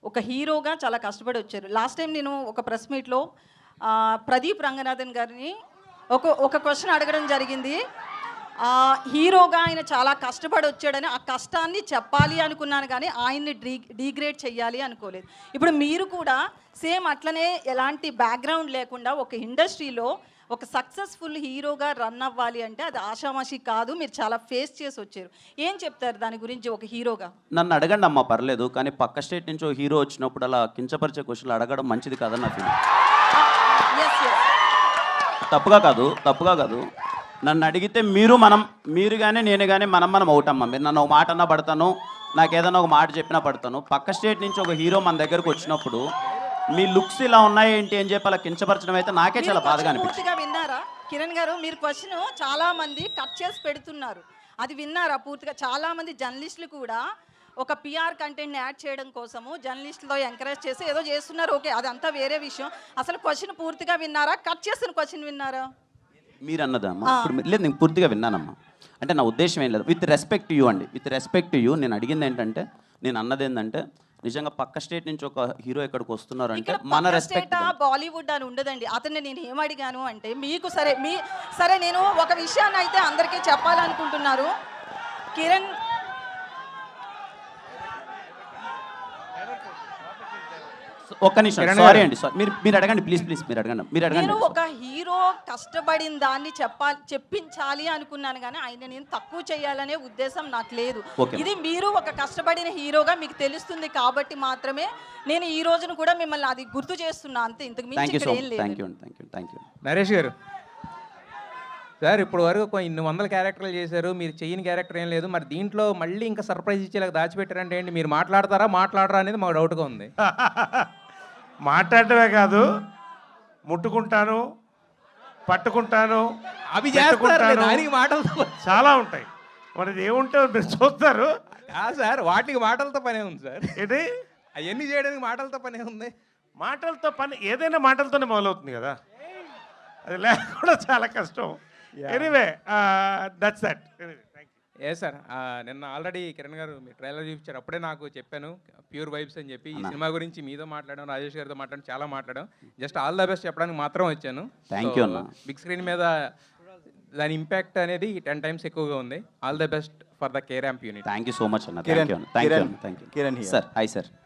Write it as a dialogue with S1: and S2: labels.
S1: ఒక హీరోగా చాలా కష్టపడి వచ్చారు. లాస్ట్ టైం నేను ఒక ప్రెస్ మీట్లో ప్రదీప్ రంగనాథన్ గారిని ఒక క్వశ్చన్ అడగడం జరిగింది. హీరోగా ఆయన చాలా కష్టపడి వచ్చాడని ఆ కష్టాన్ని చెప్పాలి అనుకున్నాను, కానీ ఆయన్ని డీగ్రేడ్ చేయాలి అనుకోలేదు. ఇప్పుడు మీరు కూడా సేమ్ అట్లనే ఎలాంటి బ్యాక్గ్రౌండ్ లేకుండా ఒక ఇండస్ట్రీలో ఒక సక్సెస్ఫుల్ హీరోగా రన్ అవ్వాలి అంటే అది ఆషామాషి కాదు. మీరు చాలా ఫేస్ చేసి వచ్చారు. ఏం చెప్తారు దాని గురించి ఒక హీరోగా?
S2: నన్ను అడగండి అమ్మా, పర్లేదు. కానీ పక్క స్టేట్ నుంచి ఒక హీరో వచ్చినప్పుడు అలా కించపరిచే క్వశ్చన్లు అడగడం మంచిది కాదని నా ఫీలింగ్. తప్పుగా కాదు. నన్ను అడిగితే మీరు కానీ నేను కానీ మనం అవుటమ్మా. మీరు నన్ను ఒక మాట అన్నా పడతాను, నాకు ఏదైనా ఒక మాట చెప్పినా పడతాను. పక్క స్టేట్ నుంచి ఒక హీరో మన దగ్గరకు వచ్చినప్పుడు మీ లుక్స్ ఇలా ఉన్నాయి ఏంటి అని చెప్పి అలా కించపరచడం అయితే నాకే చాలా బాధగా అనిపించింది.
S1: పూర్తిగా విన్నారా కిరణ్ గారు? మీరు క్వశ్చన్ చాలా మంది కట్ చేసి పెడుతున్నారు, అది విన్నారా పూర్తిగా? చాలా మంది జర్నలిస్టులు కూడా ఒక పిఆర్ కంటెంట్ని యాడ్ చేయడం కోసము జర్నలిస్టులతో ఎంకరేజ్ చేసి ఏదో చేస్తున్నారు. ఓకే, అదంతా వేరే విషయం. అసలు క్వశ్చన్ పూర్తిగా విన్నారా? కట్ చేసిన క్వశ్చన్ విన్నారా?
S2: మీరు అన్నదమ్మా ఇప్పుడు లేదు, నేను పూర్తిగా విన్నానమ్మా. అంటే నా ఉద్దేశం ఏం లేదు. విత్ రెస్పెక్ట్ టు యూ అండి, విత్ రెస్పెక్ట్ టు యూ నేను అడిగింది ఏంటంటే, నేను అన్నది ఏంటంటే, నిజంగా పక్క స్టేట్ నుంచి ఒక హీరో ఇక్కడికి వస్తున్నారు అంటే మన రెస్పెక్ట్.
S1: బాలీవుడ్ అని ఉండదండి. అతన్ని నేను ఏమడిగాను అంటే, మీకు సరే నేను ఒక విషయాన్ని అయితే అందరికీ చెప్పాలనుకుంటున్నారు. కిరణ్
S2: ఒక్క నిమిషం, సారీ అండి, మీరు అడగండి ప్లీజ్, మీరు అడగండి.
S1: నేను ఒక హీరో కష్టపడిన దాన్ని చెప్పించాలి అనుకున్నాను, కానీ ఆయన నేను తక్కువ చేయాలనే ఉద్దేశం నాకు లేదు. ఇది మీరు ఒక కష్టపడిన హీరోగా మీకు తెలుస్తుంది కాబట్టి మాత్రమే నేను ఈ రోజును కూడా మిమ్మల్ని అది గుర్తు చేస్తున్నా, అంతే. ఇంతకు మించి ఇక్కడ ఏం లేదు.
S3: నరేష్ గారు సార్, ఇప్పుడు వరకు ఇన్ని వందల క్యారెక్టర్లు చేశారు, మీరు చేయని క్యారెక్టర్ ఏం లేదు. మరి దీంట్లో మళ్ళీ ఇంకా సర్ప్రైజ్ ఇచ్చేలాగా దాచిపెట్టారంటే ఏంటి? మీరు మాట్లాడరా అనేది మాకు డౌట్గా ఉంది.
S4: మాట్లాడటమే కాదు, ముట్టుకుంటాను, పట్టుకుంటాను,
S3: అవి చేస్తారు, మాటలతో
S4: చాలా ఉంటాయి. మరి ఏముంటే మీరు చూస్తారు
S3: సార్. వాటికి మాటలతో పనే ఉంది సార్.
S4: ఏంటి
S3: అవన్నీ చేయడానికి మాటలతో పనే ఉంది.
S4: మాటలతో పని ఏదైనా మాటలతోనే మొదలవుతుంది కదా, అది లేకుండా చాలా కష్టం. Anyway that's that.
S3: సార్, నిన్న ఆల్రెడీ కిరణ్ గారు మీ ట్రైలర్ చూపించారు, అప్పుడే నాకు చెప్పాను ప్యూర్ వైబ్స్ అని చెప్పి. ఈ సినిమా గురించి మీతో మాట్లాడాం, రాజేష్ గారితో మాట్లాడడం, చాలా మాట్లాడాం. జస్ట్ ఆల్ ద బెస్ట్ చెప్పడానికి మాత్రం వచ్చాను. బిగ్ స్క్రీన్ మీద దాని ఇంపాక్ట్ అనేది 10 times ఎక్కువగా ఉంది. All the best for the K Ramp unit.
S2: Thank you so much అన్న. Thank you. Sir hi sir.